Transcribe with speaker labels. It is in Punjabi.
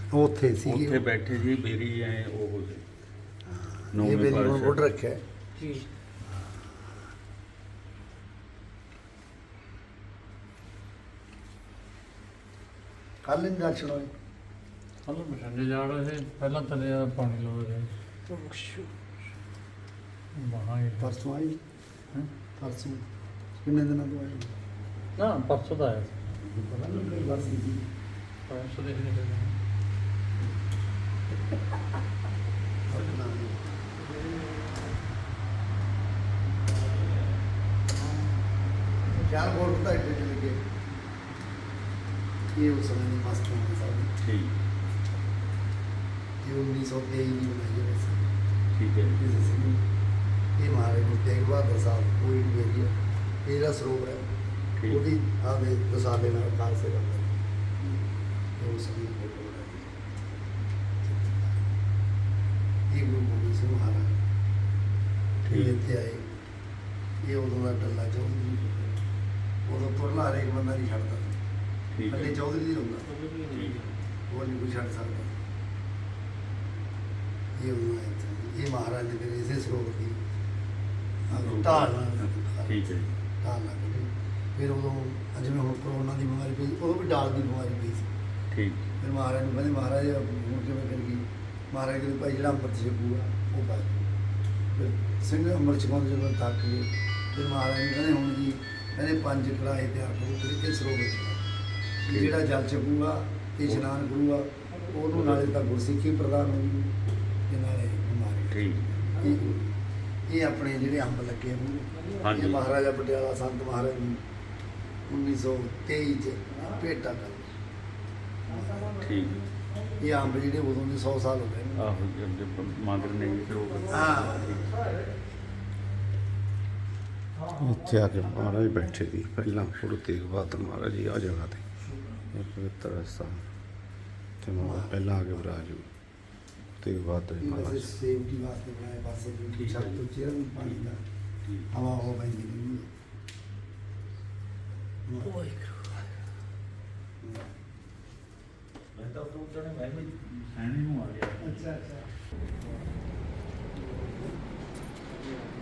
Speaker 1: ਉੱਥੇ ਸੀ
Speaker 2: ਉੱਥੇ ਬੈਠੇ ਜੀ ਬੇਰੀ ਐ ਉਹ ਸੀ
Speaker 1: ਇਹ ਬੇਰੀ ਹੁਣ ਉੱਡ ਰੱਖਿਆ
Speaker 3: ਜੀ।
Speaker 1: ਕੱਲ ਨਹੀਂ ਦਰਸ਼ਨ ਹੋਏ
Speaker 4: ਹਲੋ ਬਠਿੰਡੇ ਜਾ ਰਹੇ ਸੀ ਪਹਿਲਾਂ ਥੱਲੇ ਆ ਪਾਣੀ ਲੋ ਰਹੇ ਮਹਾਂ ਹੀ
Speaker 1: ਪਰਸੋਂ ਆਏ
Speaker 4: ਹੈਂ?
Speaker 1: ਪਰਸੋਂ ਕਿੰਨੇ ਦਿਨਾਂ ਤੋਂ ਆਏ
Speaker 4: ਨਾ ਪਰਸੋਂ ਦਾ ਆਇਆ ਸੀ
Speaker 1: ਪਤਾ ਨਹੀਂ ਕੋਈ ਬਸ ਸੀ
Speaker 4: ਪਰਸੋਂ ਦੇ ਨਹੀਂ
Speaker 1: ਆਪਣਾ ਚਾਰ ਬੋਰਡ ਤਾਂ ਇੱਥੇ ਲੱਗੇ ਇਹ ਉਸ ਸਮੇਂ ਦੀ ਮਸਤ ਹੋਣੀ ਸਾਡੀ
Speaker 2: ਠੀਕ
Speaker 1: ਇਹ 1923 ਦੀ ਬਣਾਈ ਗਈ ਸੀ
Speaker 2: ਠੀਕ ਹੈ ਜੀ।
Speaker 1: ਕਿਸੇ ਸਿੰਘ ਨੇ। ਇਹ ਮਹਾਰਾਜ ਗੁਰੂ ਤੇਗ ਬਹਾਦਰ ਸਾਹਿਬ ਕੋਈ ਵੀ ਏਰੀਆ ਇਹ ਜਿਹੜਾ ਸਰੋਵਰ ਹੈ
Speaker 2: ਠੀਕ।
Speaker 1: ਉਹਦੀ ਆਵੇ ਦਸਾਲੇ ਨਾਲ ਖਾਲਸੇ ਦਾ ਇਹ ਉਸ ਸਮੇਂ ਦੀ ਫੋਟੋ ਬਣਾਈ ਇਹ ਗੁਰੂ ਗੋਬਿੰਦ ਸਿੰਘ ਮਹਾਰਾਜ ਇਹ
Speaker 2: ਠੀਕ।
Speaker 1: ਇੱਥੇ ਆਏ ਇਹ ਉਦੋਂ ਦਾ ਡੱਲਾ ਚੌਧਰੀ ਉਦੋਂ ਤੁਰਲਾ ਹਰੇਕ ਬੰਦਾ ਨਹੀਂ ਛੱਡਦਾ
Speaker 2: ਠੀਕ
Speaker 1: ਅੱਲੇ
Speaker 2: ਹੈ
Speaker 1: ਚੌਧਰੀ ਹੀ ਹੁੰਦਾ
Speaker 2: ਠੀਕ
Speaker 1: ਉਹ ਨਹੀਂ ਕੋਈ ਛੱਡ ਸਕਦਾ ਇਹ ਉਦੋਂ ਆਏ ਇੱਥੇ। ਇਹ ਮਹਾਰਾਜ ਨੇ ਫਿਰ ਇਸੇ ਸਰੋਵਰ ਦੀ ਢਾਲ ਨਾਲ
Speaker 2: ਠੀਕ ਹੈ ਜੀ।
Speaker 1: ਢਾਲ ਲੱਗ ਗਈ ਫਿਰ ਉਦੋਂ ਜਿਵੇਂ ਹੁਣ ਕਰੋਨਾ ਦੀ ਬਿਮਾਰੀ ਪਈ ਉਦੋਂ ਵੀ ਡਾਲ ਦੀ ਬਿਮਾਰੀ ਪਈ ਸੀ
Speaker 2: ਠੀਕ
Speaker 1: ਫਿਰ ਮਹਾਰਾਜ ਨੂੰ ਕਹਿੰਦੇ ਮਹਾਰਾਜ ਹੁਣ ਕਿਵੇਂ ਕਰ ਗਈ ਮਹਾਰਾਜ ਕਹਿੰਦੇ ਭਾਈ ਜਿਹੜਾ ਅੰਮ੍ਰਿਤ ਛਕੂਗਾ ਉਹ ਬਚ ਜੂ। ਫਿਰ ਸਿੰਘ ਅੰਮ੍ਰਿਤ ਛਕਾਉਂਦੇ ਜਦੋਂ ਥੱਕ ਗਏ ਫਿਰ ਮਹਾਰਾਜ ਨੂੰ ਕਹਿੰਦੇ ਹੁਣ ਜੀ ਕਹਿੰਦੇ 5 ਕੜਾਹੇ ਤਿਆਰ ਕਰੋ ਫਿਰ ਇਹ ਸਰੋਵਰ 'ਚ ਪਾਓ। ਜਿਹੜਾ ਜਲ ਛਕੂਗਾ ਤੇ ਇਸ਼ਨਾਨ ਕਰੂਗਾ ਉਹਨੂੰ ਨਾਲੇ ਤਾਂ ਗੁਰਸਿੱਖੀ ਪ੍ਰਦਾਨ ਹੋਊਗੀ ਤੇ ਨਾਲੇ ਬਿਮਾਰੀ
Speaker 2: ਠੀਕ
Speaker 1: ਇਹ ਆਪਣੇ ਜਿਹੜੇ ਅੰਬ ਲੱਗੇ ਨੇ
Speaker 2: ਹਾਂਜੀ।
Speaker 1: ਇਹ ਮਹਾਰਾਜਾ ਪਟਿਆਲਾ ਸੰਤ ਮਹਾਰਾਜ ਨੂੰ 1923 ਚ ਭੇਟਾ ਕਰ
Speaker 2: ਠੀਕ
Speaker 1: ਇਹ ਅੰਬ ਜਿਹੜੇ ਉਦੋਂ ਦੇ 100 ਸਾਲ ਹੋ ਗਏ ਨੇ
Speaker 2: ਆਹੋ ਜੀ ਅੱਗੇ ਮਾਦਰ ਨੇ ਜੀ ਫਿਰ ਉਹ
Speaker 1: ਹਾਂ
Speaker 5: ਇੱਥੇ ਆ ਕੇ ਮਹਾਰਾਜ ਬੈਠੇ ਸੀ ਪਹਿਲਾਂ ਗੁਰੂ ਤੇਗ ਬਹਾਦਰ ਮਹਾਰਾਜ ਜੀ ਆ ਜਗ੍ਹਾ ਤੇ ਇਹ ਪਵਿੱਤਰ ਸਥਾਨ ਤੇ ਮਹਾਰਾਜ ਪਹਿਲਾਂ ਆ ਕੇ ਵਿਰਾਜ ਤੇਗ ਬਹਾਦਰ ਜੀ
Speaker 1: ਇਹ ਵੈਸੇ
Speaker 5: ਮਹਾਰਾਜ
Speaker 1: ਸੇਫਟੀ ਵਾਸਤੇ ਬਣਾਏ ਪਾਸੇ
Speaker 2: ਠੀਕ
Speaker 1: ਵੀ
Speaker 2: ਹੈ
Speaker 1: ਛੱਤ
Speaker 2: ਜੀ।
Speaker 1: ਤੋਂ ਚਿਹਰਾ ਵੀ ਪਾਣੀ ਦਾ
Speaker 2: ਠੀਕ
Speaker 1: ਹਵਾ ਹੋ ਪੈਂਦੀ ਨਹੀਂ
Speaker 2: ਮੈਂ ਤਾਂ ਉਹ ਜਣੇ ਮੈਂ ਵੀ ਸੈਣੀ ਨੂੰ ਆ ਗਿਆ
Speaker 1: ਅੱਛਾ ਅੱਛਾ